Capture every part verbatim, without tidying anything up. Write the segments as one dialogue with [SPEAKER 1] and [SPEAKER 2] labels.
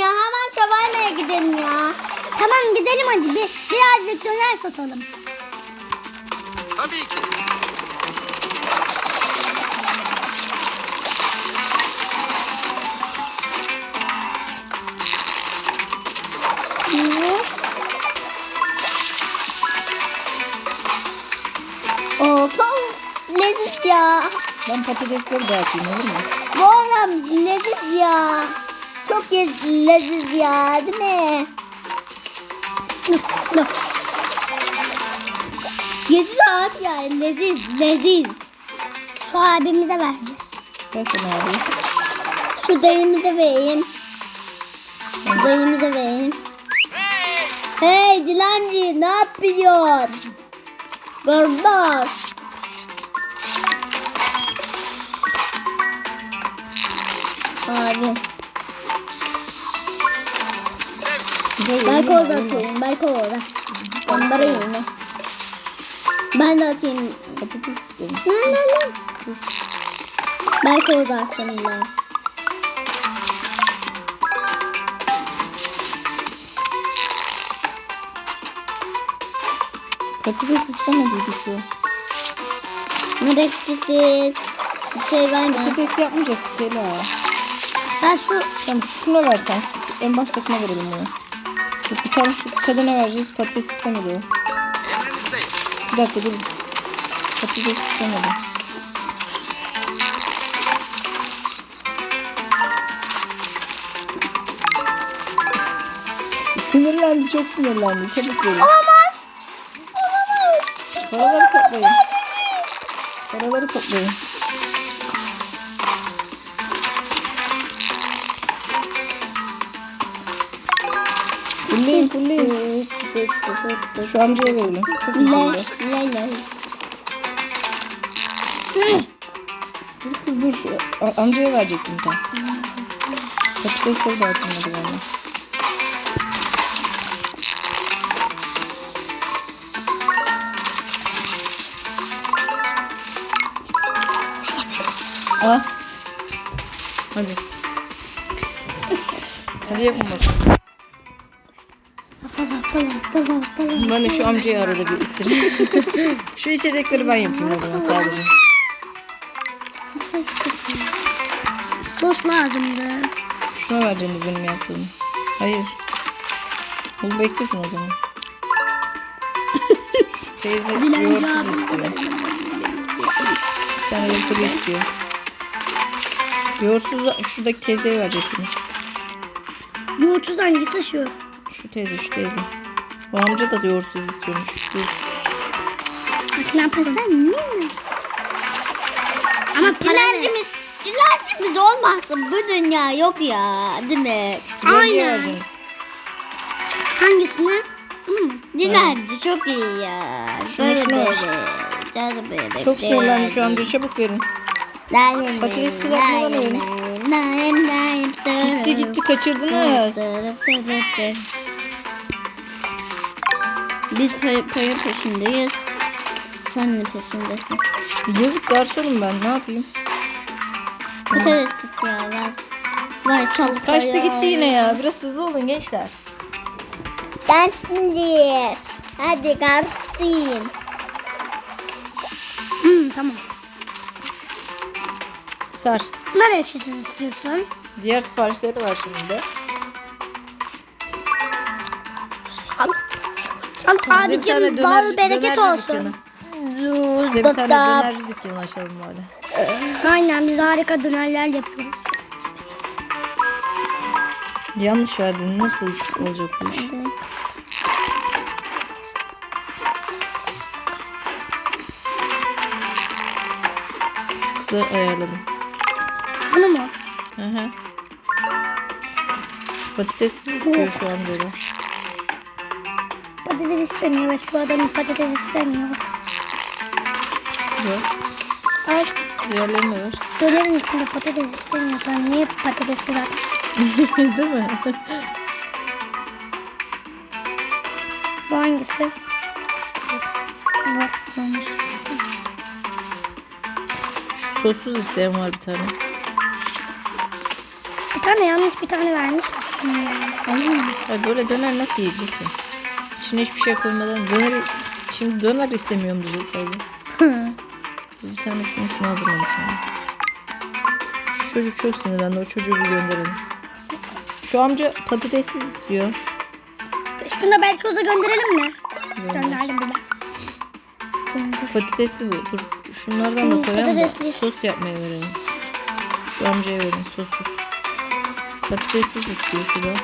[SPEAKER 1] ya. Hemen şavarmaya gidelim ya. Tamam gidelim hadi. Bir, birazcık döner satalım.
[SPEAKER 2] Tabii ki.
[SPEAKER 1] Of of. Leziz ya.
[SPEAKER 3] Ben patatesleri dağıtayım olur mu?
[SPEAKER 1] Bu adam leziz ya. Çok yez- leziz ya değil mi? Leziz abi ya leziz leziz. Şu abimize vereceğiz.
[SPEAKER 3] Ver sana abi.
[SPEAKER 1] Şu dayımıza vereyim. Dayımıza vereyim. Hey dilenci ne yapıyorsun? Kardeş. Abi. Ben koz atıyorum. Ben koz da. Onlara yine. Ben de atayım.
[SPEAKER 3] Patates istedim.
[SPEAKER 1] Lan lan lan. Ben koz atayım ben.
[SPEAKER 3] Patates istemediydik şu.
[SPEAKER 1] Mürekkesiz. Bir şey verme.
[SPEAKER 3] Patates yapmayacaktık Sela.
[SPEAKER 1] Ben şu
[SPEAKER 3] Tamam şuna versen. En baştakine verelim bunu. Dur, bir tane şu kadına vereceğiz. Patates istemedi o.
[SPEAKER 2] Emrinizdeyim.
[SPEAKER 3] Bir dakika dur. Patates istemedi. Sinirlendi, çok sinirlendi. Çabuk verin.
[SPEAKER 1] olamaz. Olamaz.
[SPEAKER 3] Paraları toplayın. Paraları toplayın. Fulleyin, fulleyin. Şu amcaya verelim. Çok
[SPEAKER 1] Le,
[SPEAKER 3] üzüldü.
[SPEAKER 1] le, le.
[SPEAKER 3] Dur kız dur. Şu a- amcaya verecektim sen. Patatesleri dağıtılmadı valla. Al. Hadi. Hadi yapın bakalım. Ben de şu amcayı arada bir ittireyim. Şu içecekleri ben yapayım o zaman sadece.
[SPEAKER 1] Sos lazımdı.
[SPEAKER 3] Şuna vereceğiniz benim yaptığımı. Hayır. Bunu beklesin o zaman. Teyze yoğurtsuz istiyor. Sen yoğurtlu istiyor. Yoğurtsuz şuradaki teyzeye vereceksiniz.
[SPEAKER 1] Yoğurtsuz hangisi şu?
[SPEAKER 3] Şu teyze şu teyze. O amca da yoğurtsuz istiyormuş. Dur.
[SPEAKER 1] Bak ne yaparsan ne? Ama dilencimiz, dilencimiz olmazsa bu dünya yok ya değil mi?
[SPEAKER 3] Dilenciye vereceğiniz.
[SPEAKER 1] Hangisine? Hmm, dilenci çok iyi ya.
[SPEAKER 3] Şunu,
[SPEAKER 1] Böyle
[SPEAKER 3] şunu.
[SPEAKER 1] böyle. Canım böyle.
[SPEAKER 3] Çok sinirlendi şu amca, çabuk verin. Patatesi kızartmadan verin. Gitti gitti kaçırdınız.
[SPEAKER 1] Biz para, para peşindeyiz. Sen ne peşindesin?
[SPEAKER 3] Yazık garsonum ben, ne yapayım?
[SPEAKER 1] Patates istiyorlar. Vay çalı
[SPEAKER 3] Kaçtı gitti yine ya. Biraz hızlı olun gençler.
[SPEAKER 1] Ben şimdi. Hadi garsın. Hmm, tamam.
[SPEAKER 3] Sar.
[SPEAKER 1] Nereye ekşisiz istiyorsun?
[SPEAKER 3] Diğer siparişleri var şimdi de.
[SPEAKER 1] Al. Al
[SPEAKER 3] Size bir tane
[SPEAKER 1] abicim
[SPEAKER 3] döner-
[SPEAKER 1] bal bereket
[SPEAKER 3] dönerci
[SPEAKER 1] olsun.
[SPEAKER 3] Size bir tane dönerci dükkanı açalım bari.
[SPEAKER 1] Aynen biz harika dönerler yapıyoruz.
[SPEAKER 3] Yanlış verdin. Nasıl olacak bu iş? Kızı ayarladım.
[SPEAKER 1] Bunu mu?
[SPEAKER 3] Hı hı. Patates istiyor şu an böyle.
[SPEAKER 1] Patates istemiyor ve şu adam patates istemiyor.
[SPEAKER 3] Yok.
[SPEAKER 1] Al
[SPEAKER 3] Diğerlerini de ver.
[SPEAKER 1] dönerin içinde patates istemiyorsan niye patates bırak?
[SPEAKER 3] Değil mi?
[SPEAKER 1] Bu hangisi? Bak olmuş.
[SPEAKER 3] Sossuz isteyen var bir tane.
[SPEAKER 4] tane yanlış bir tane vermiş misin ya?
[SPEAKER 3] Ya böyle döner nasıl yiyeceksin? İçine hiçbir şey koymadan döner, şimdi döner istemiyorum diyecek sadece. Bir tane şunu şunu hazırlamışım. Şu çocuk çok sinirlendi. O çocuğu bir gönderelim. Şu amca patatessiz istiyor.
[SPEAKER 4] Şunu da belki oza gönderelim mi?
[SPEAKER 3] Gönder.
[SPEAKER 4] Gönderdim bile.
[SPEAKER 3] Patatesli bu. Dur şunlardan da
[SPEAKER 4] Hmm,
[SPEAKER 3] koyalım da
[SPEAKER 4] patatesli.
[SPEAKER 3] sos yapmaya verelim. Şu amcaya verin sossuz. Patatessiz istiyor şu da.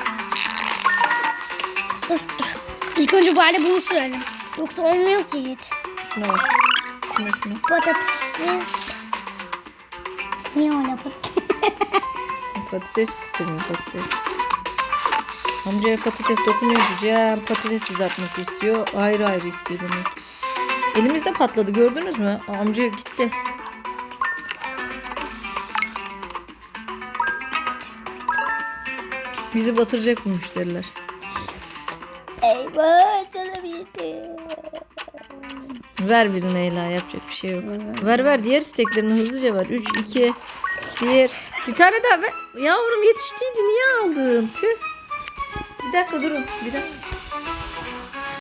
[SPEAKER 4] Dur dur. İlk önce bari bunu sürelim. Yoksa olmuyor ki hiç.
[SPEAKER 3] Şuna bak. Şuna şuna.
[SPEAKER 4] Patates. Niye öyle patates?
[SPEAKER 3] Patates istemiyor patates. Amcaya patates dokunuyor diyeceğim. Patates kızartması istiyor. Ayrı ayrı istiyor demek. Elimizde patladı gördünüz mü? Amca gitti. Bizi batıracak bu müşteriler.
[SPEAKER 1] Eyvah canım yedim.
[SPEAKER 3] Ver bir Leyla yapacak bir şey yok. Ver ver diğer isteklerini hızlıca ver. üç, iki, bir. Bir tane daha ver. Yavrum yetiştiydi niye aldın? Tüh. Bir dakika durun. Bir dakika.